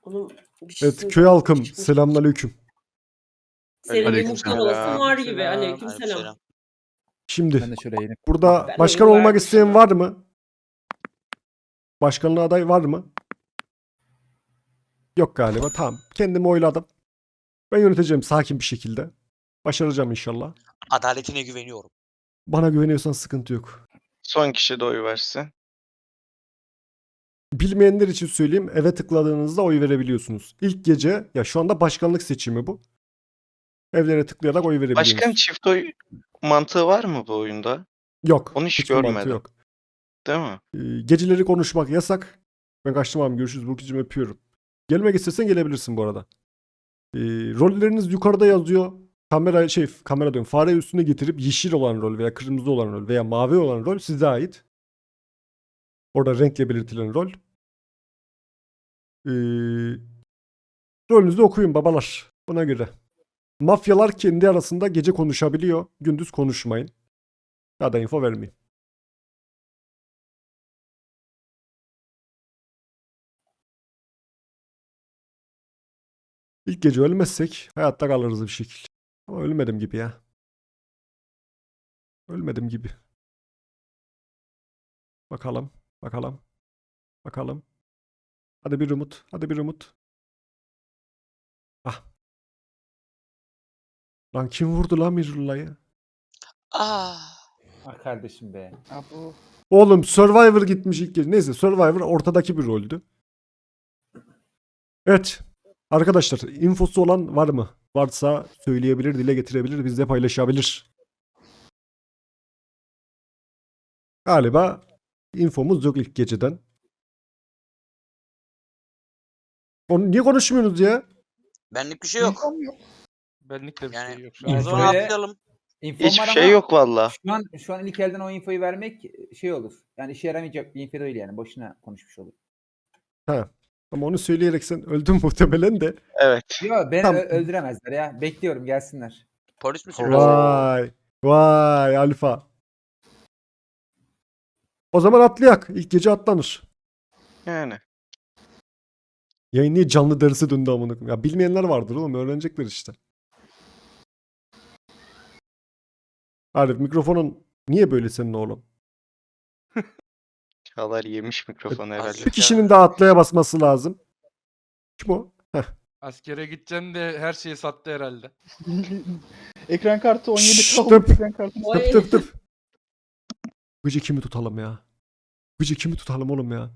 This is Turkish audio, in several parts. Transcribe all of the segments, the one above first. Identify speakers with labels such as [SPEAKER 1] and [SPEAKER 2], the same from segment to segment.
[SPEAKER 1] Onun bir şey
[SPEAKER 2] Evet köy halkım selamünaleyküm.
[SPEAKER 1] Senin bir
[SPEAKER 3] Aleykümselam.
[SPEAKER 1] muhtar olasın var gibi.
[SPEAKER 4] Aleykümselam.
[SPEAKER 1] Aleykümselam.
[SPEAKER 3] Aleykümselam.
[SPEAKER 2] Şimdi
[SPEAKER 4] Ben de şöyle yeni.
[SPEAKER 2] burada
[SPEAKER 1] Ben
[SPEAKER 2] başkan
[SPEAKER 1] oyunu
[SPEAKER 2] olmak
[SPEAKER 1] verdim
[SPEAKER 2] isteyen
[SPEAKER 1] sana.
[SPEAKER 2] var mı? Başkanlığa aday var mı? Yok galiba. Tamam. Kendimi oyladım. Ben yöneteceğim sakin bir şekilde. Başaracağım inşallah.
[SPEAKER 3] Adaletine güveniyorum.
[SPEAKER 2] Bana güveniyorsan sıkıntı yok.
[SPEAKER 5] Son kişi de oy versin.
[SPEAKER 2] Bilmeyenler için söyleyeyim. Eve tıkladığınızda oy verebiliyorsunuz. İlk gece ya şu anda başkanlık seçimi bu. Evlere tıklayarak oy verebiliyorsunuz.
[SPEAKER 5] Başkan çift oy mantığı var mı bu oyunda?
[SPEAKER 2] Yok.
[SPEAKER 5] Onu hiç
[SPEAKER 2] hiçbir mantığı
[SPEAKER 5] görmedim.
[SPEAKER 2] Yok.
[SPEAKER 5] Değil mi?
[SPEAKER 2] Geceleri konuşmak yasak. Ben kaçtım abi. Görüşürüz. Burcucuğum öpüyorum. Gelmek istersen gelebilirsin bu arada. Rolleriniz yukarıda yazıyor. Kamera diyorum. Fare üstüne getirip yeşil olan rol veya kırmızı olan rol veya mavi olan rol size ait. Orada renkle belirtilen rol. Rolünüzü okuyun babalar. Buna göre. Mafyalar kendi arasında gece konuşabiliyor. Gündüz konuşmayın. Ya da info vermeyin. İlk gece ölmezsek hayatta kalırız bir şekilde. Ama ölmedim gibi ya. Ölmedim gibi. Bakalım. Bakalım. Bakalım. Hadi bir umut. Hadi bir umut. Ah. Lan kim vurdu lan Mirullah'ı?
[SPEAKER 3] Ah.
[SPEAKER 4] Ah kardeşim be.
[SPEAKER 6] Bu
[SPEAKER 2] Oğlum Survivor gitmiş ilk gece. Neyse Survivor ortadaki bir roldü. Evet. Arkadaşlar infosu olan var mı? Varsa söyleyebilir, dile getirebilir, bizle paylaşabilir. Galiba infomuz yok ilk geceden. Onu niye konuşmuyorsunuz ya?
[SPEAKER 3] Benlik bir şey yok.
[SPEAKER 6] infom yok.
[SPEAKER 4] Benlik de bir
[SPEAKER 3] Yani
[SPEAKER 4] şey yok.
[SPEAKER 3] o zaman
[SPEAKER 4] Böyle
[SPEAKER 3] atlayalım.
[SPEAKER 4] infom
[SPEAKER 5] Hiçbir
[SPEAKER 4] var
[SPEAKER 5] şey
[SPEAKER 4] ama
[SPEAKER 5] yok valla.
[SPEAKER 4] Şu an ilk elden o infoyu vermek şey olur. Yani işe yaramayacak bir info değil yani. Boşuna konuşmuş olur.
[SPEAKER 2] Ha. Ama onu söyleyerek sen öldün muhtemelen de.
[SPEAKER 5] Evet.
[SPEAKER 4] Yok beni
[SPEAKER 2] Tamam.
[SPEAKER 4] öldüremezler ya. Bekliyorum gelsinler.
[SPEAKER 3] Polis misin?
[SPEAKER 5] Oo.
[SPEAKER 2] Vay. Vay alfa. O zaman atlayak. İlk gece atlanır.
[SPEAKER 5] Yani.
[SPEAKER 2] Yayın niye canlı dersi döndü amına koyayım? Ya bilmeyenler vardır oğlum. Öğrenecekler işte. Arif mikrofonun niye böyle senin oğlum?
[SPEAKER 5] Çağlar yemiş mikrofonu herhalde.
[SPEAKER 2] Bir kişinin daha atlaya basması lazım. Kim o? Heh.
[SPEAKER 7] Askere gideceğim de her şeyi sattı herhalde.
[SPEAKER 6] Ekran kartı 17
[SPEAKER 2] Şşş,
[SPEAKER 6] kaldı.
[SPEAKER 2] tıp.
[SPEAKER 6] Ekran kartı.
[SPEAKER 1] Oy.
[SPEAKER 2] Tıp tıp tıp. Gıcı kimi tutalım ya? Gıcı kimi tutalım oğlum ya?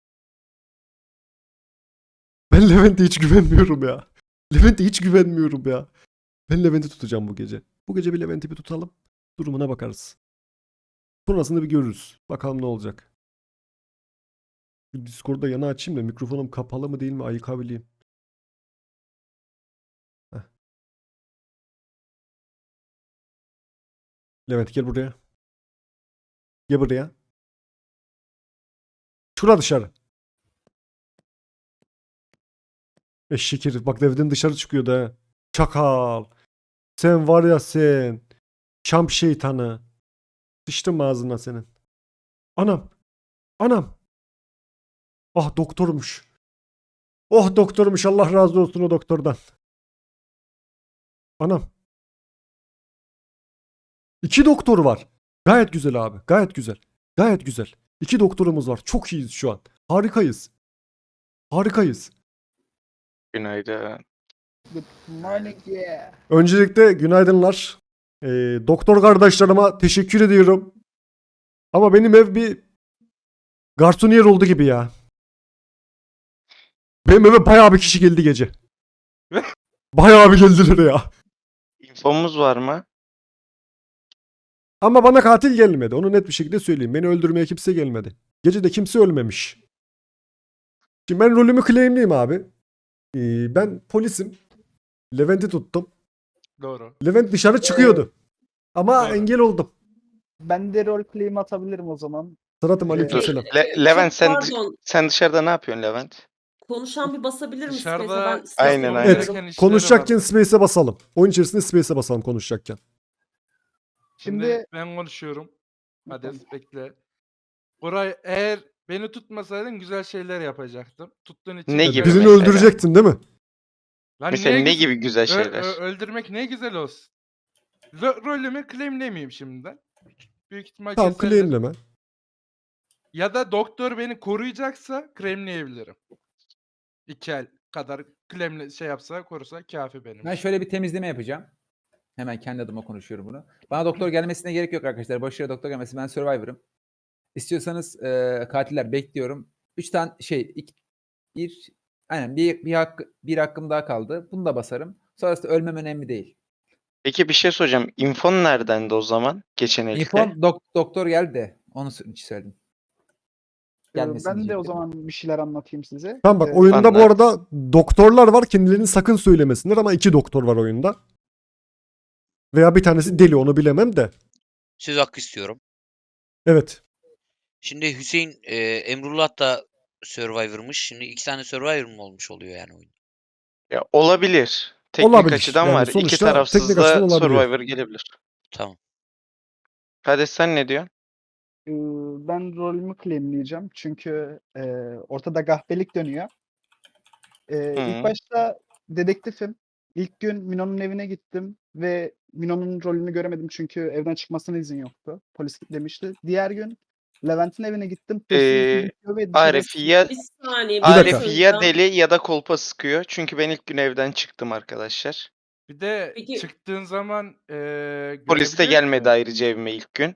[SPEAKER 2] Ben Levent'e hiç güvenmiyorum ya. Levent'e hiç güvenmiyorum ya. Ben Levent'i tutacağım bu gece. Bu gece bir Levent'i bir tutalım. Durumuna bakarız. Sonrasında bir görürüz. Bakalım ne olacak. Şu Discord'da yana açayım da mikrofonum kapalı mı değil mi ayıkabileyim. Heh. Levent gel buraya. Gel buraya. Şura dışarı. Eşek herif. Bak evden dışarı çıkıyordu ha. Çakal. Sen var ya sen. Şam şeytanı. Sıçtım ağzına senin. Anam. Anam. Ah doktormuş. Oh doktormuş. Allah razı olsun o doktordan. Anam. 2 doktor var. Gayet güzel abi. Gayet güzel. Gayet güzel. 2 doktorumuz var. Çok iyiyiz şu an. Harikayız. Harikayız.
[SPEAKER 5] Günaydın.
[SPEAKER 6] Good morning yeah.
[SPEAKER 2] Öncelikle günaydınlar. Doktor kardeşlerime teşekkür ediyorum. Ama benim ev bir garsoniyer oldu gibi ya. Benim eve bayağı bir kişi geldi gece. Bayağı bir geldiler ya.
[SPEAKER 5] İnfomuz var mı?
[SPEAKER 2] Ama bana katil gelmedi. Onu net bir şekilde söyleyeyim. Beni öldürmeye kimse gelmedi. Gece de kimse ölmemiş. Şimdi ben rolümü claimliyim abi. Ben polisim. Levent'i tuttum.
[SPEAKER 7] Doğru.
[SPEAKER 2] Levent dışarı çıkıyordu. Ama
[SPEAKER 7] Doğru.
[SPEAKER 2] engel oldum.
[SPEAKER 6] Ben de rol claim atabilirim o zaman.
[SPEAKER 2] Sıratım
[SPEAKER 5] Dur.
[SPEAKER 2] aleykümselam.
[SPEAKER 5] Levent
[SPEAKER 1] Pardon.
[SPEAKER 5] sen dışarıda ne yapıyorsun Levent?
[SPEAKER 1] Konuşan bir basabilir mi
[SPEAKER 7] Dışarıda-
[SPEAKER 1] Space'e? Ben space
[SPEAKER 5] Aynen,
[SPEAKER 1] yapıyorum.
[SPEAKER 5] aynen.
[SPEAKER 2] Evet.
[SPEAKER 7] Gereken işleri
[SPEAKER 2] Konuşacakken
[SPEAKER 7] var.
[SPEAKER 2] space'e basalım. Oyun içerisinde space'e basalım konuşacakken.
[SPEAKER 7] Şimdi
[SPEAKER 6] Şimdi
[SPEAKER 7] ben konuşuyorum. Hadi bekle. Koray eğer Beni tutmasaydın güzel şeyler yapacaktım. Tuttuğun için
[SPEAKER 5] Ne
[SPEAKER 7] de
[SPEAKER 5] gibi
[SPEAKER 7] böyle-
[SPEAKER 2] Birini
[SPEAKER 5] mesela?
[SPEAKER 2] öldürecektin değil mi?
[SPEAKER 7] Lan
[SPEAKER 5] Mesela
[SPEAKER 7] niye
[SPEAKER 5] ne
[SPEAKER 7] güzel-
[SPEAKER 5] gibi güzel şeyler?
[SPEAKER 7] öldürmek ne güzel olsun. Rolümü claimlemeyeyim şimdiden. Büyük ihtimal
[SPEAKER 2] Tamam
[SPEAKER 7] keserler.
[SPEAKER 2] claimleme.
[SPEAKER 7] Ya da doktor beni koruyacaksa claimleyebilirim. 2 el kadar claimle şey yapsa korusa kafi benim
[SPEAKER 4] Ben
[SPEAKER 7] için.
[SPEAKER 4] şöyle bir temizleme yapacağım. Hemen kendi adıma konuşuyorum bunu. Bana doktor gelmesine gerek yok arkadaşlar. Boşuna doktor gelmesin. Ben Survivor'ım. İstiyorsanız katiller bekliyorum. 3 tane aynen bir hakkım daha kaldı. Bunu da basarım. Sonrasında ölmem önemli değil.
[SPEAKER 5] Peki bir şey soracağım. İnfon neredendi o zaman? Geçen elde.
[SPEAKER 4] İnfon doktor geldi de onu için söyledim. Gelmesin
[SPEAKER 6] Ben de o
[SPEAKER 4] diyecektim.
[SPEAKER 6] zaman bir şeyler anlatayım size.
[SPEAKER 2] Tamam bak oyunda bu
[SPEAKER 5] Anlat.
[SPEAKER 2] arada doktorlar var. Kendilerini sakın söylemesinler ama 2 doktor var oyunda. Veya bir tanesi deli onu bilemem de.
[SPEAKER 3] Söz hakkı istiyorum.
[SPEAKER 2] Evet.
[SPEAKER 3] Şimdi Hüseyin Emrullah da Survivor'mış. Şimdi 2 tane Survivor mu olmuş oluyor yani oyun?
[SPEAKER 5] Ya olabilir. Teknik
[SPEAKER 2] Olabilir.
[SPEAKER 5] açıdan
[SPEAKER 2] Yani
[SPEAKER 5] var. İki
[SPEAKER 2] sonuçta
[SPEAKER 5] tarafsız
[SPEAKER 2] teknik açıdan
[SPEAKER 5] da
[SPEAKER 2] olabiliyor.
[SPEAKER 5] Survivor gelebilir.
[SPEAKER 3] Tamam.
[SPEAKER 5] Hadi sen ne diyorsun?
[SPEAKER 6] Ben rolümü claimleyeceğim. Çünkü ortada gahbelik dönüyor. İlk
[SPEAKER 5] Hı.
[SPEAKER 6] başta dedektifim. İlk gün Mino'nun evine gittim ve Mino'nun rolünü göremedim çünkü evden çıkmasına izin yoktu. Polis demişti. Diğer gün Levent'in evine gittim. Polisin
[SPEAKER 5] Ee,
[SPEAKER 6] izin istiyor ve dışarı
[SPEAKER 5] Arif ya
[SPEAKER 1] Bir saniye
[SPEAKER 2] Bir dakika.
[SPEAKER 5] Arif ya
[SPEAKER 1] söyleyeceğim.
[SPEAKER 5] deli ya da kolpa sıkıyor. Çünkü ben ilk gün evden çıktım arkadaşlar.
[SPEAKER 7] Bir de
[SPEAKER 1] Peki-
[SPEAKER 7] çıktığın zaman
[SPEAKER 5] Polis de
[SPEAKER 7] görebiliyor
[SPEAKER 5] gelmedi
[SPEAKER 7] ki.
[SPEAKER 5] ayrıca evime ilk gün.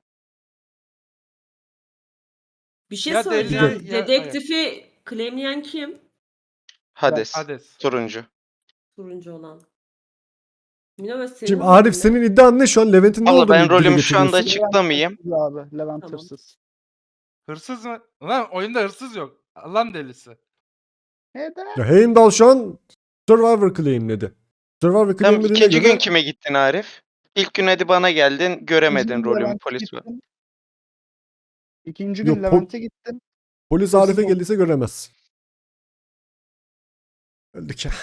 [SPEAKER 1] Bir şey
[SPEAKER 7] Ya
[SPEAKER 1] söyleyeceğim.
[SPEAKER 7] deli ya-
[SPEAKER 1] Dedektifi claimleyen kim?
[SPEAKER 5] Hades.
[SPEAKER 7] Hades.
[SPEAKER 5] Turuncu.
[SPEAKER 1] Turuncu olan. Mino ve senin
[SPEAKER 2] Şimdi
[SPEAKER 1] rolün
[SPEAKER 2] Arif
[SPEAKER 1] ne?
[SPEAKER 2] senin iddian ne şu an? Levent'in ne
[SPEAKER 5] Valla
[SPEAKER 2] olduğunu
[SPEAKER 5] ben
[SPEAKER 2] dile
[SPEAKER 5] rolümü şu anda
[SPEAKER 2] getiriyorsun.
[SPEAKER 5] açıklamayayım.
[SPEAKER 6] Hırsız abi. Levent
[SPEAKER 1] Tamam.
[SPEAKER 6] hırsız.
[SPEAKER 7] Hırsız mı? Lan oyunda hırsız yok. Allah'ın delisi.
[SPEAKER 6] Neden?
[SPEAKER 2] Ya Heimdall şu an Survivor claimledi. Survivor
[SPEAKER 5] Tamam
[SPEAKER 2] claimlediğine
[SPEAKER 5] ikinci
[SPEAKER 2] göre
[SPEAKER 5] gün kime gittin Arif? İlk gün hadi bana geldin. Göremedin
[SPEAKER 6] İkinci gün
[SPEAKER 5] rolümü
[SPEAKER 6] Levent'e
[SPEAKER 5] polis var.
[SPEAKER 6] gittim. İkinci
[SPEAKER 2] Yok,
[SPEAKER 6] gün Levent'e gittim.
[SPEAKER 2] polis
[SPEAKER 6] Hırsız
[SPEAKER 2] Arif'e
[SPEAKER 6] ol-
[SPEAKER 2] geldiyse göremez. Öldük ya.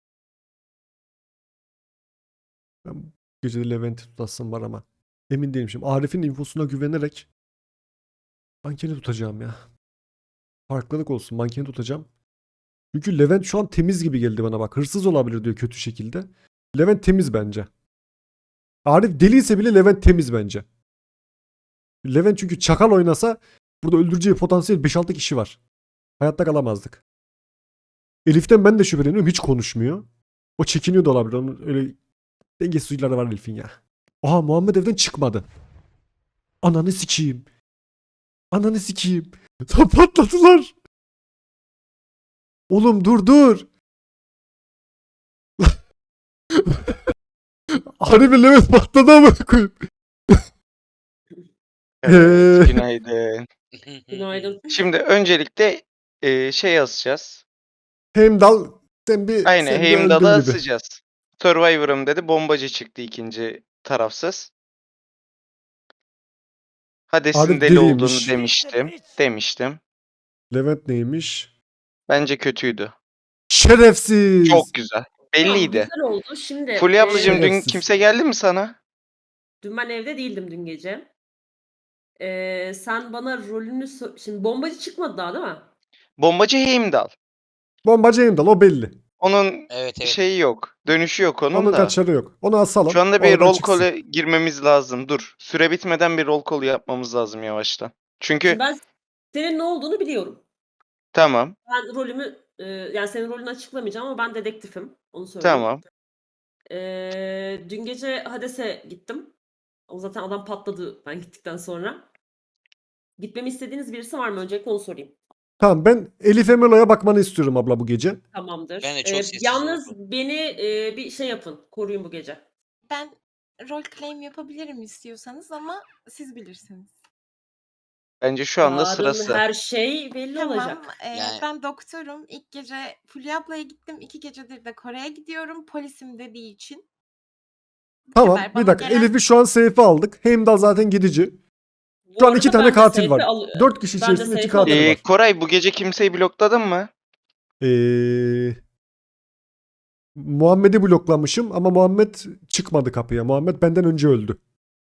[SPEAKER 2] Ben bu gece de Levent'i tutasım var ama. Emin değilim şimdi. Arif'in infosuna güvenerek mankeni tutacağım ya. Farklılık olsun. Mankeni tutacağım. Çünkü Levent şu an temiz gibi geldi bana bak. Hırsız olabilir diyor kötü şekilde. Levent temiz bence. Arif deliyse bile Levent temiz bence. Levent çünkü çakal oynasa burada öldüreceği potansiyel 5-6 kişi var. Hayatta kalamazdık. Elif'ten ben de şüpheleniyorum. Hiç konuşmuyor. O çekiniyor da olabilir. Onun öyle dengesiz huyları var Elif'in ya. Aha Muhammed evden çıkmadı. Ananı sikeyim. Ananı sikeyim. Patladılar. Oğlum dur. Harbi Levent patladı ama koyayım.
[SPEAKER 5] Evet, günaydın.
[SPEAKER 1] Günaydın.
[SPEAKER 5] Şimdi öncelikle şey yazacağız.
[SPEAKER 2] Heimdall sen bir
[SPEAKER 5] Aynen
[SPEAKER 2] sen bir
[SPEAKER 5] Heimdall'a
[SPEAKER 2] öldün gibi.
[SPEAKER 5] asacağız. Survivor'ım dedi. Bombacı çıktı ikinci tarafsız. Hades'in
[SPEAKER 2] Arif
[SPEAKER 5] deli olduğunu
[SPEAKER 2] deliymiş.
[SPEAKER 5] demiştim.
[SPEAKER 2] Levent neymiş?
[SPEAKER 5] Bence kötüydü.
[SPEAKER 2] Şerefsiz.
[SPEAKER 5] Çok güzel.
[SPEAKER 1] Tamam,
[SPEAKER 5] Belliydi.
[SPEAKER 1] güzel oldu. Şimdi
[SPEAKER 5] Fulya ablacığım dün
[SPEAKER 2] Şerefsiz.
[SPEAKER 5] kimse geldi mi sana?
[SPEAKER 1] dün ben evde değildim dün gece. Sen bana rolünü şimdi bombacı çıkmadı daha değil mi?
[SPEAKER 5] Bombacı Heimdall.
[SPEAKER 2] Bombacı Heimdall o belli.
[SPEAKER 5] Onun
[SPEAKER 3] Evet evet.
[SPEAKER 5] şeyi yok. Dönüşü yok onun
[SPEAKER 2] Onun
[SPEAKER 5] da.
[SPEAKER 2] kaçarı yok. Onu asalım.
[SPEAKER 5] Şu anda bir
[SPEAKER 2] oradan
[SPEAKER 5] roll
[SPEAKER 2] çıksın.
[SPEAKER 5] call'e girmemiz lazım. Dur. Süre bitmeden bir roll call yapmamız lazım yavaştan. Çünkü
[SPEAKER 1] Şimdi ben senin ne olduğunu biliyorum.
[SPEAKER 5] tamam.
[SPEAKER 1] Ben rolümü yani senin rolünü açıklamayacağım ama ben dedektifim. Onu söyleyeyim.
[SPEAKER 5] Tamam.
[SPEAKER 1] Dün gece Hades'e gittim. O zaten adam patladı ben gittikten sonra. Gitmemi istediğiniz birisi var mı? Öncelikle onu sorayım.
[SPEAKER 2] Tamam ben Elif Emelo'ya bakmanı istiyorum abla bu gece.
[SPEAKER 1] Tamamdır.
[SPEAKER 3] Ben de çok sessiz
[SPEAKER 1] Yalnız
[SPEAKER 3] oldum.
[SPEAKER 1] beni bir şey yapın. Koruyun bu gece.
[SPEAKER 8] Ben rol claim yapabilirim istiyorsanız ama siz bilirsiniz.
[SPEAKER 5] Bence şu anda
[SPEAKER 1] Yarın
[SPEAKER 5] sırası.
[SPEAKER 1] her şey belli
[SPEAKER 8] Tamam.
[SPEAKER 1] olacak.
[SPEAKER 3] Yani-
[SPEAKER 8] Ben doktorum. İlk gece Fulya ablaya gittim. 2 gecedir de Kore'ye gidiyorum. Polisim dediği için. Bu
[SPEAKER 2] Tamam
[SPEAKER 8] kadar.
[SPEAKER 2] bir
[SPEAKER 8] Bana
[SPEAKER 2] dakika.
[SPEAKER 8] gelen-
[SPEAKER 2] Elif'i şu an safe'e aldık. Heimdall zaten gidici.
[SPEAKER 1] Bu
[SPEAKER 2] Şu an
[SPEAKER 1] arada
[SPEAKER 2] 2 tane
[SPEAKER 1] ben de
[SPEAKER 2] katil
[SPEAKER 1] safe'e
[SPEAKER 2] var. 4 kişi
[SPEAKER 1] ben de
[SPEAKER 2] içerisinde 2
[SPEAKER 1] safe'e
[SPEAKER 2] katil
[SPEAKER 1] alırım.
[SPEAKER 2] var.
[SPEAKER 5] Koray bu gece kimseyi blokladın mı?
[SPEAKER 2] Muhammed'i bloklamışım ama Muhammed çıkmadı kapıya. Muhammed benden önce öldü.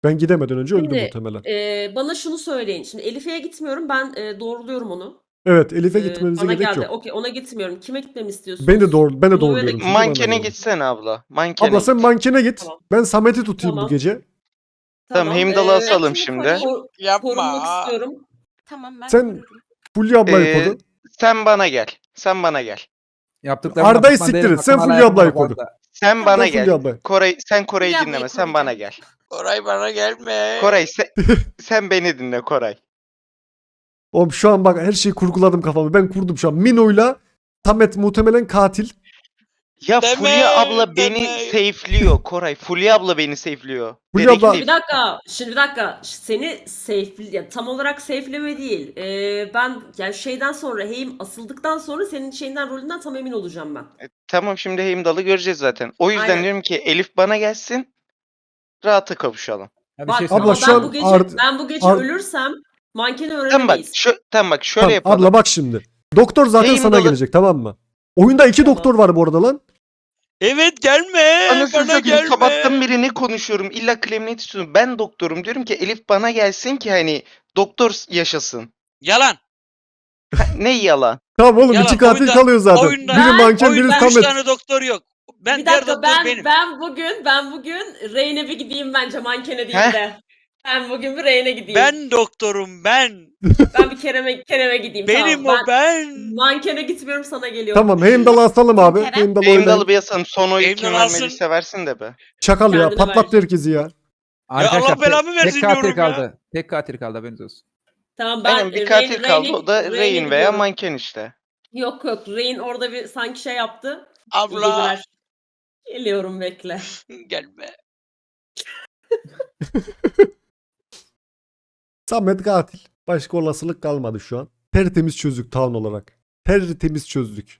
[SPEAKER 2] Ben gidemeden önce öldü
[SPEAKER 1] Şimdi
[SPEAKER 2] muhtemelen.
[SPEAKER 1] bana şunu söyleyin. Şimdi Elife'ye gitmiyorum. Ben doğruluyorum onu.
[SPEAKER 2] Evet, Elif'e gitmenize
[SPEAKER 1] Bana
[SPEAKER 2] gerek
[SPEAKER 1] geldi.
[SPEAKER 2] yok.
[SPEAKER 1] Okey, ona gitmiyorum. Kime gitmemi istiyorsunuz?
[SPEAKER 2] Ben de doğruluyorum
[SPEAKER 1] Noel'e
[SPEAKER 2] çünkü bana
[SPEAKER 5] Mankene
[SPEAKER 2] geldi.
[SPEAKER 5] gitsene abla. Mankene
[SPEAKER 2] Abla sen
[SPEAKER 5] git.
[SPEAKER 2] mankene git.
[SPEAKER 1] Tamam.
[SPEAKER 2] Ben Samet'i tutayım bu
[SPEAKER 1] Tamam.
[SPEAKER 2] gece.
[SPEAKER 5] Tamam, Heimdall'ı
[SPEAKER 1] Ben
[SPEAKER 5] asalım
[SPEAKER 8] kimi
[SPEAKER 5] şimdi.
[SPEAKER 8] koruyayım?
[SPEAKER 1] Korunmak istiyorum.
[SPEAKER 8] Tamam ben
[SPEAKER 2] Sen
[SPEAKER 8] korurum.
[SPEAKER 2] Fulya ablayı
[SPEAKER 5] Ee,
[SPEAKER 2] koru.
[SPEAKER 5] sen bana gel. Sen bana gel.
[SPEAKER 4] Yaptıklarımdan
[SPEAKER 2] Arda'yı
[SPEAKER 4] pişman
[SPEAKER 2] siktir
[SPEAKER 4] değilim.
[SPEAKER 2] et. Sen
[SPEAKER 4] Hakan hala
[SPEAKER 2] Fulya ablayı
[SPEAKER 4] yapma
[SPEAKER 2] koru.
[SPEAKER 4] Arda.
[SPEAKER 5] Sen bana
[SPEAKER 2] Sen Fulya
[SPEAKER 5] gel.
[SPEAKER 2] ablayı.
[SPEAKER 5] Sen Koray'ı
[SPEAKER 8] Fulya ablayı
[SPEAKER 5] dinleme. Sen bana
[SPEAKER 8] koruyacağım.
[SPEAKER 5] gel.
[SPEAKER 3] Koray bana gelme.
[SPEAKER 5] Koray sen beni dinle Koray.
[SPEAKER 2] Oğlum şu an bak her şeyi kurguladım kafamda. Ben kurdum şu an. Mino'yla Samet muhtemelen katil.
[SPEAKER 5] Ya
[SPEAKER 3] Deme,
[SPEAKER 5] Fulya abla beni
[SPEAKER 3] deme.
[SPEAKER 5] safe'liyor Koray. Fulya abla beni safe'liyor.
[SPEAKER 2] Fulya abla-
[SPEAKER 5] Dedektif.
[SPEAKER 1] Bir dakika. Şimdi bir dakika. Seni ya tam olarak safe'leme değil. Ben yani şeyden sonra asıldıktan sonra senin şeyinden rolünden tam emin olacağım ben.
[SPEAKER 5] Tamam, şimdi Heimdall'ı göreceğiz zaten. O yüzden
[SPEAKER 1] Aynen.
[SPEAKER 5] diyorum ki Elif bana gelsin. Rahata kavuşalım.
[SPEAKER 4] Ya bir
[SPEAKER 1] Bak
[SPEAKER 4] şey
[SPEAKER 2] Abla
[SPEAKER 1] ama
[SPEAKER 4] söyleyeyim.
[SPEAKER 2] şu
[SPEAKER 1] ben
[SPEAKER 2] an
[SPEAKER 1] bu gece
[SPEAKER 2] Ard-
[SPEAKER 1] ben bu gece
[SPEAKER 2] Ard-
[SPEAKER 1] ölürsem mankeni
[SPEAKER 5] Tamam bak,
[SPEAKER 1] öğrenemeyiz.
[SPEAKER 5] tamam bak şöyle
[SPEAKER 2] Tamam,
[SPEAKER 5] yapalım.
[SPEAKER 2] abla bak şimdi. Doktor zaten sana
[SPEAKER 5] Heimdall'ı-
[SPEAKER 2] gelecek, tamam mı? Oyunda 2
[SPEAKER 1] Tamam.
[SPEAKER 2] doktor var bu arada lan.
[SPEAKER 3] Evet gelme.
[SPEAKER 5] Anasını
[SPEAKER 3] Bana
[SPEAKER 5] satayım,
[SPEAKER 3] gelme.
[SPEAKER 5] sabahtan beri ne konuşuyorum? İlla claim'let istiyorum. Ben doktorum, diyorum ki Elif bana gelsin ki hani doktor yaşasın.
[SPEAKER 3] Yalan.
[SPEAKER 5] Ne yalan?
[SPEAKER 2] Tamam oğlum
[SPEAKER 3] Yalan,
[SPEAKER 2] 2 katil
[SPEAKER 3] oyunda-
[SPEAKER 2] kalıyor zaten.
[SPEAKER 3] oyunda-
[SPEAKER 2] Biri manken biri
[SPEAKER 3] Oyunda 3
[SPEAKER 2] Samet.
[SPEAKER 3] tane doktor yok. Ben
[SPEAKER 1] Bir
[SPEAKER 3] diğer
[SPEAKER 1] dakika
[SPEAKER 3] doktor benim.
[SPEAKER 1] ben bugün Reyne bir gideyim bence mankene değil
[SPEAKER 5] Heh.
[SPEAKER 1] de. Ben bugün bir Reyne gideyim.
[SPEAKER 3] Ben doktorum ben.
[SPEAKER 1] Ben bir Kerem'e gideyim.
[SPEAKER 3] Benim
[SPEAKER 1] tamam.
[SPEAKER 3] o ben.
[SPEAKER 1] Mankene gitmiyorum, sana geliyorum.
[SPEAKER 2] Tamam, Heimdall'ı asalım abi.
[SPEAKER 8] Kerem.
[SPEAKER 2] Heimdall'ı
[SPEAKER 5] Heimdall'ı
[SPEAKER 2] oynayın.
[SPEAKER 5] bir yasalım. Son oyu
[SPEAKER 3] Heimdall
[SPEAKER 5] kim
[SPEAKER 3] alsın.
[SPEAKER 5] vermediyse versin de be.
[SPEAKER 2] Çakal ya,
[SPEAKER 1] Kendine
[SPEAKER 2] patlattı
[SPEAKER 1] verecek.
[SPEAKER 2] herkesi ya.
[SPEAKER 4] Arkadaşlar
[SPEAKER 3] Allah belamı versin
[SPEAKER 4] tek katil
[SPEAKER 3] diyorum ya.
[SPEAKER 4] kaldı. Tek katil kaldı, haberiniz olsun.
[SPEAKER 1] Tamam ben
[SPEAKER 5] Aynen, bir katil kaldı, o da
[SPEAKER 1] Reyne
[SPEAKER 5] Rain veya
[SPEAKER 1] gidiyorum.
[SPEAKER 5] manken işte.
[SPEAKER 1] Yok Rain orada bir sanki şey yaptı. İyi
[SPEAKER 3] Abla
[SPEAKER 1] geceler. Geliyorum, bekle.
[SPEAKER 3] gelme.
[SPEAKER 2] Samet katil. Başka olasılık kalmadı şu an. Tertemiz çözdük town olarak. Tertemiz çözdük.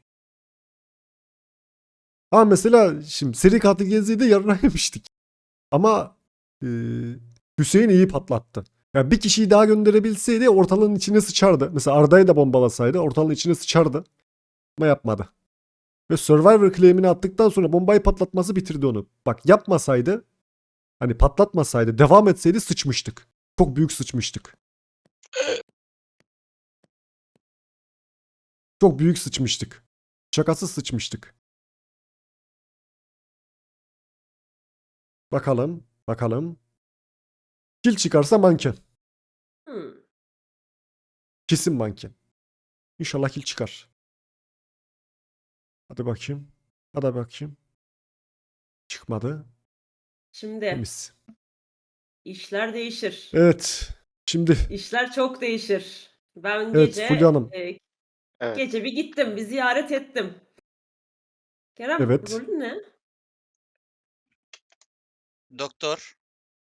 [SPEAKER 2] Ama mesela şimdi seri katil geziydi, yarına yemiştik. Ama Hüseyin iyi patlattı. Yani bir kişiyi daha gönderebilseydi ortalığın içine sıçardı. Mesela Arda'yı da bombalasaydı ortalığın içine sıçardı. Ama yapmadı. Ve Survivor claim'ini attıktan sonra bombayı patlatması bitirdi onu. Bak yapmasaydı, hani patlatmasaydı, devam etseydi sıçmıştık. Çok büyük sıçmıştık. Çok büyük sıçmıştık. Şakasız sıçmıştık. Bakalım. Bakalım. Kill çıkarsa manken.
[SPEAKER 1] Hmm.
[SPEAKER 2] Kesin manken. İnşallah kill çıkar. Hadi bakayım. Hadi bakayım. Çıkmadı.
[SPEAKER 1] Şimdi
[SPEAKER 2] Temiz.
[SPEAKER 1] işler değişir.
[SPEAKER 2] Evet. Şimdi
[SPEAKER 1] İşler çok değişir. Ben
[SPEAKER 2] Evet,
[SPEAKER 1] gece
[SPEAKER 2] Fulya Hanım.
[SPEAKER 5] Evet.
[SPEAKER 1] gece bir gittim, bir ziyaret ettim. Kerem,
[SPEAKER 2] Evet.
[SPEAKER 1] rolün ne?
[SPEAKER 3] Doktor.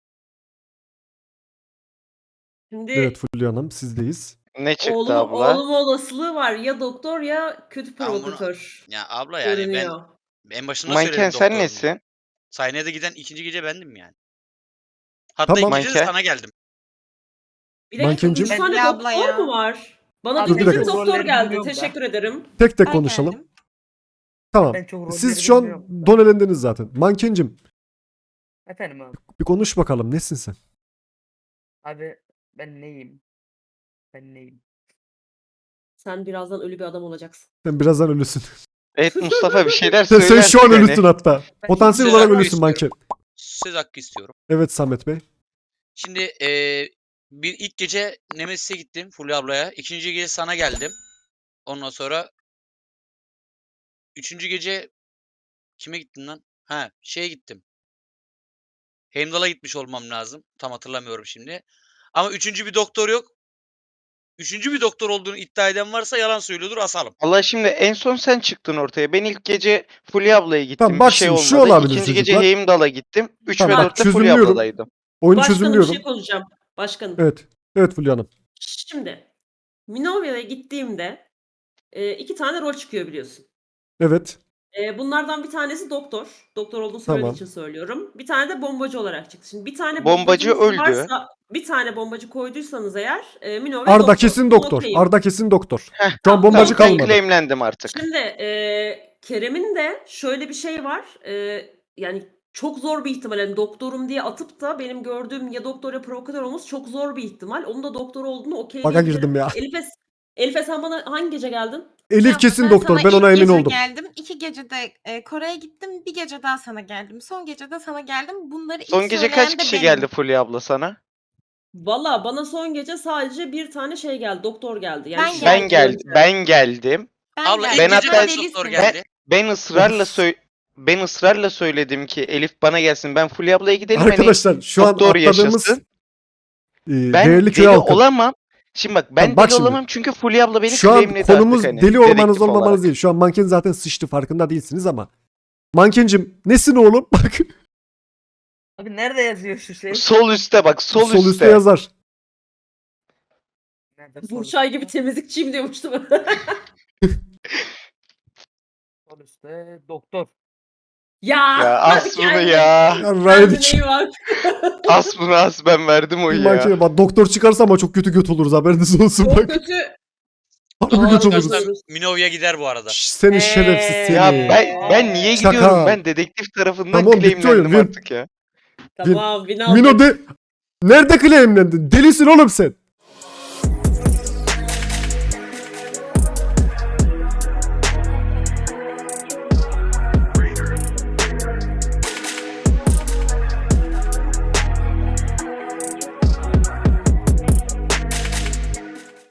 [SPEAKER 1] Şimdi
[SPEAKER 2] evet Fulya Hanım sizdeyiz.
[SPEAKER 5] Ne çıktı abla?
[SPEAKER 1] olma olasılığı var. Ya doktor ya kötü
[SPEAKER 3] Ben bunu-
[SPEAKER 1] provokatör.
[SPEAKER 3] Ya abla yani
[SPEAKER 1] Görünüyor.
[SPEAKER 3] ben en başında
[SPEAKER 5] Manken
[SPEAKER 3] söyledim
[SPEAKER 5] sen
[SPEAKER 3] doktorum diye.
[SPEAKER 5] nesin?
[SPEAKER 3] Sahnede giden ikinci gece bendim yani. Hatta
[SPEAKER 2] Tamam.
[SPEAKER 3] ikinci gece de
[SPEAKER 5] Manken.
[SPEAKER 3] sana geldim.
[SPEAKER 1] Bir dakika,
[SPEAKER 2] Mankencim.
[SPEAKER 1] 3 tane
[SPEAKER 8] Emre abla
[SPEAKER 1] doktor
[SPEAKER 8] ya.
[SPEAKER 1] mu var? Bana
[SPEAKER 2] Dur,
[SPEAKER 1] bir
[SPEAKER 2] bir
[SPEAKER 1] tek
[SPEAKER 2] dakika.
[SPEAKER 1] doktor geldi.
[SPEAKER 9] Bilmiyorum da.
[SPEAKER 1] Teşekkür ederim.
[SPEAKER 2] Tek tek
[SPEAKER 8] Ben
[SPEAKER 2] konuşalım.
[SPEAKER 8] geldim.
[SPEAKER 2] Tamam.
[SPEAKER 9] Ben çok
[SPEAKER 2] Siz
[SPEAKER 9] rolleri
[SPEAKER 2] şu an
[SPEAKER 9] bilmiyorum da.
[SPEAKER 2] don elendiniz zaten. Mankencim
[SPEAKER 9] Efendim abi.
[SPEAKER 2] bir konuş bakalım. Nesin sen?
[SPEAKER 9] Abi ben neyim? Ben neyim?
[SPEAKER 1] Sen birazdan ölü bir adam olacaksın.
[SPEAKER 2] Sen birazdan ölüsün.
[SPEAKER 5] Evet Mustafa, bir şeyler
[SPEAKER 2] Sen
[SPEAKER 5] söylersin
[SPEAKER 2] şu an
[SPEAKER 5] yani.
[SPEAKER 2] ölüsün hatta. Potansiyel
[SPEAKER 3] Söz
[SPEAKER 2] olarak
[SPEAKER 3] hakkı
[SPEAKER 2] ölüsün
[SPEAKER 3] istiyorum.
[SPEAKER 2] manken.
[SPEAKER 3] Söz hakkı istiyorum.
[SPEAKER 2] Evet Samet Bey.
[SPEAKER 3] Şimdi bir ilk gece Nemesis'e gittim Fulya ablaya. İkinci gece sana geldim. Ondan sonra üçüncü gece kime gittim lan? Ha, şeye gittim. Heimdall'a gitmiş olmam lazım. Tam hatırlamıyorum şimdi. Ama üçüncü bir doktor yok. Üçüncü bir doktor olduğunu iddia eden varsa yalan söylüyordur, asalım.
[SPEAKER 5] Allah, şimdi en son sen çıktın ortaya. Ben ilk gece Fulya ablaya gittim.
[SPEAKER 2] Tamam, bak
[SPEAKER 5] bir şey
[SPEAKER 2] şimdi
[SPEAKER 5] olmadı.
[SPEAKER 2] şu olabilir
[SPEAKER 5] İkinci gece
[SPEAKER 2] çocuklar.
[SPEAKER 5] Heimdall'a gittim. 3
[SPEAKER 2] Tamam,
[SPEAKER 5] ve
[SPEAKER 2] bak,
[SPEAKER 5] 4'te Fulya
[SPEAKER 2] çözümlüyorum.
[SPEAKER 5] abladaydım.
[SPEAKER 2] Oyunu
[SPEAKER 1] Başkanım bir
[SPEAKER 2] çözümlüyorum.
[SPEAKER 1] şey konuşacağım. Başkanım.
[SPEAKER 2] Evet. Evet Fulya Hanım.
[SPEAKER 1] Şimdi Minovia'ya gittiğimde 2 tane rol çıkıyor biliyorsun.
[SPEAKER 2] Evet.
[SPEAKER 1] Bunlardan bir tanesi doktor. Doktor olduğunu söylediği
[SPEAKER 2] Tamam.
[SPEAKER 1] için söylüyorum. Bir tane de bombacı olarak çıktı. Şimdi bir tane
[SPEAKER 5] Bombacı
[SPEAKER 1] bombacınız
[SPEAKER 5] öldü.
[SPEAKER 1] varsa, bir tane bombacı koyduysanız eğer Minovia
[SPEAKER 2] Arda
[SPEAKER 1] doktor.
[SPEAKER 2] kesin
[SPEAKER 1] Bunu
[SPEAKER 2] doktor.
[SPEAKER 1] okuyayım.
[SPEAKER 2] Arda kesin doktor.
[SPEAKER 5] Heh,
[SPEAKER 2] Şu an
[SPEAKER 1] tamam,
[SPEAKER 2] bombacı
[SPEAKER 5] Tamam, ben
[SPEAKER 2] kalmadı.
[SPEAKER 5] claimlendim artık.
[SPEAKER 1] Şimdi Kerem'in de şöyle bir şey var. Yani çok zor bir ihtimal. Yani doktorum diye atıp da benim gördüğüm ya doktor ya provokatör olması çok zor bir ihtimal. Onun da doktor olduğunu
[SPEAKER 2] Baka
[SPEAKER 1] okeyleyebilirim.
[SPEAKER 2] girdim ya.
[SPEAKER 1] Elif'e sen bana hangi gece geldin?
[SPEAKER 2] Elif
[SPEAKER 8] Abla,
[SPEAKER 2] kesin doktor.
[SPEAKER 8] sana
[SPEAKER 2] Ben ona
[SPEAKER 8] ilk
[SPEAKER 2] emin
[SPEAKER 8] gece
[SPEAKER 2] oldum.
[SPEAKER 8] geldim. 2 gece de Kore'ye gittim. Bir gece daha sana geldim. Son gece de sana geldim. Bunları
[SPEAKER 5] Son
[SPEAKER 8] ilk
[SPEAKER 5] gece
[SPEAKER 8] söyleyen
[SPEAKER 5] kaç
[SPEAKER 8] de
[SPEAKER 5] kişi
[SPEAKER 8] benim.
[SPEAKER 5] geldi Fulya abla sana?
[SPEAKER 1] Valla bana son gece sadece bir tane şey geldi. Doktor geldi. Yani
[SPEAKER 8] Ben
[SPEAKER 1] şu
[SPEAKER 5] Ben
[SPEAKER 1] an
[SPEAKER 5] geldim.
[SPEAKER 1] önce.
[SPEAKER 5] Ben geldim.
[SPEAKER 3] Abla
[SPEAKER 8] geldim.
[SPEAKER 3] ilk
[SPEAKER 5] Ben
[SPEAKER 3] gece
[SPEAKER 5] hatta-
[SPEAKER 3] kaç doktor
[SPEAKER 8] delisin.
[SPEAKER 3] geldi?
[SPEAKER 5] Ben ısrarla söyledim ki Elif bana gelsin. Ben Fulya ablaya gidelim
[SPEAKER 2] Arkadaşlar şu an
[SPEAKER 5] doktor
[SPEAKER 2] atladığımız
[SPEAKER 5] yaşasın. Ben
[SPEAKER 2] değerli köy
[SPEAKER 5] deli
[SPEAKER 2] halkı.
[SPEAKER 5] olamam. Şimdi bak ben
[SPEAKER 2] Tamam, bak
[SPEAKER 5] deli
[SPEAKER 2] şimdi.
[SPEAKER 5] olamam çünkü Fulya abla beni
[SPEAKER 2] Şu an
[SPEAKER 5] claimledi
[SPEAKER 2] konumuz
[SPEAKER 5] artık hani.
[SPEAKER 2] deli olmanız
[SPEAKER 5] dedektif
[SPEAKER 2] olmamanız
[SPEAKER 5] olarak.
[SPEAKER 2] değil. Şu an manken zaten sıçtı, farkında değilsiniz ama. Mankencim nesin oğlum? Bak
[SPEAKER 9] Abi nerede yazıyor şu şey?
[SPEAKER 5] Sol üstte bak sol,
[SPEAKER 2] sol üstte
[SPEAKER 5] üstte.
[SPEAKER 2] yazar.
[SPEAKER 9] Nerede sol
[SPEAKER 1] Burçay
[SPEAKER 9] üstte?
[SPEAKER 1] gibi temizlikçiyim diyormuştum.
[SPEAKER 9] Sol üstte doktor.
[SPEAKER 1] Ya,
[SPEAKER 5] Ya
[SPEAKER 1] hadi
[SPEAKER 5] as bunu
[SPEAKER 1] kendine-
[SPEAKER 5] ya.
[SPEAKER 2] Ya
[SPEAKER 1] kendine
[SPEAKER 2] Raydik.
[SPEAKER 1] iyi bak.
[SPEAKER 5] As bunu as ben verdim
[SPEAKER 2] Bir
[SPEAKER 5] oyu
[SPEAKER 2] mankene
[SPEAKER 5] ya.
[SPEAKER 2] bak, doktor çıkarsa ama çok kötü göt oluruz, haberiniz olsun
[SPEAKER 1] Çok
[SPEAKER 2] bak.
[SPEAKER 1] kötü.
[SPEAKER 2] Harbi
[SPEAKER 1] Aa,
[SPEAKER 2] göt oluruz.
[SPEAKER 3] Çıkarsa Minovya gider bu arada.
[SPEAKER 2] Şş, seni şerefsiz seni.
[SPEAKER 5] Ya ben niye
[SPEAKER 2] Şaka.
[SPEAKER 5] gidiyorum? Ben dedektif tarafından
[SPEAKER 2] Tamam, bitti oyun,
[SPEAKER 5] claimlendim
[SPEAKER 2] win.
[SPEAKER 5] artık ya.
[SPEAKER 1] Tamam, bin aldık.
[SPEAKER 2] Mino de... Nerede claimlendin? Delisin oğlum sen.